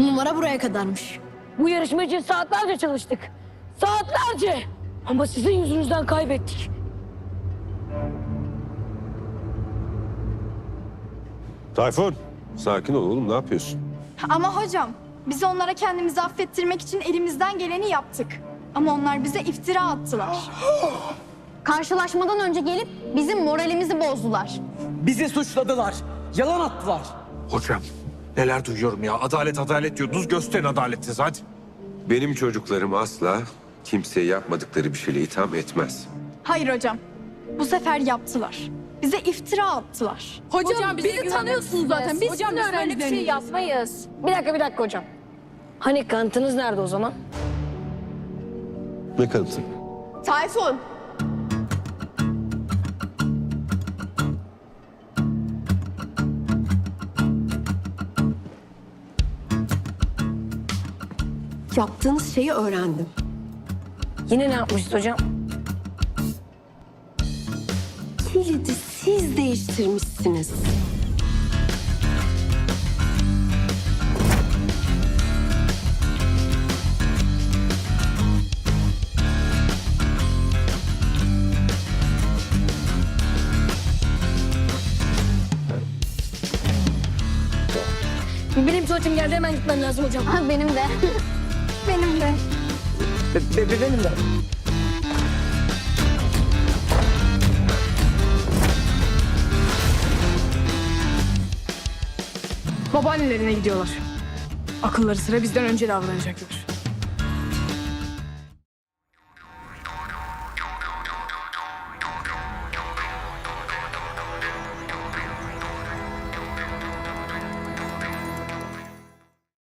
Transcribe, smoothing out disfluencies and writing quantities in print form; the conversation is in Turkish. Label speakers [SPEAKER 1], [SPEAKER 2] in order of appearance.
[SPEAKER 1] Numara buraya kadarmış.
[SPEAKER 2] Bu yarışma için saatlerce çalıştık. Saatlerce. Ama sizin yüzünüzden kaybettik.
[SPEAKER 3] Tayfun, sakin ol oğlum, ne yapıyorsun?
[SPEAKER 4] Ama hocam, biz onlara kendimizi affettirmek için elimizden geleni yaptık. Ama onlar bize iftira attılar.
[SPEAKER 5] Karşılaşmadan önce gelip bizim moralimizi bozdular.
[SPEAKER 6] Bizi suçladılar. Yalan attılar.
[SPEAKER 7] Hocam neler duyuyorum ya. Adalet adalet diyordunuz. Gösterin adaletinizi hadi.
[SPEAKER 3] Benim çocuklarım asla kimseye yapmadıkları bir şeyle itham etmez.
[SPEAKER 4] Hayır hocam, bu sefer yaptılar. Bize iftira attılar.
[SPEAKER 1] Hocam bizi tanıyorsunuz zaten. Biz hocam öyle bir şey
[SPEAKER 2] Yapmayız. Bir dakika hocam. Hani kanıtınız nerede o zaman?
[SPEAKER 3] Ne kanıtı?
[SPEAKER 4] Tayfun!
[SPEAKER 1] Yaptığınız şeyi öğrendim.
[SPEAKER 2] Yine ne yapmışız hocam?
[SPEAKER 1] Kilidi siz değiştirmişsiniz.
[SPEAKER 2] Benim tuvaletim geldi, hemen gitmem lazım hocam.
[SPEAKER 5] Ha, benim de.
[SPEAKER 4] Benim de.
[SPEAKER 6] Benim de.
[SPEAKER 8] Babaannelerine gidiyorlar. Akılları sıra bizden önce davranacaklar.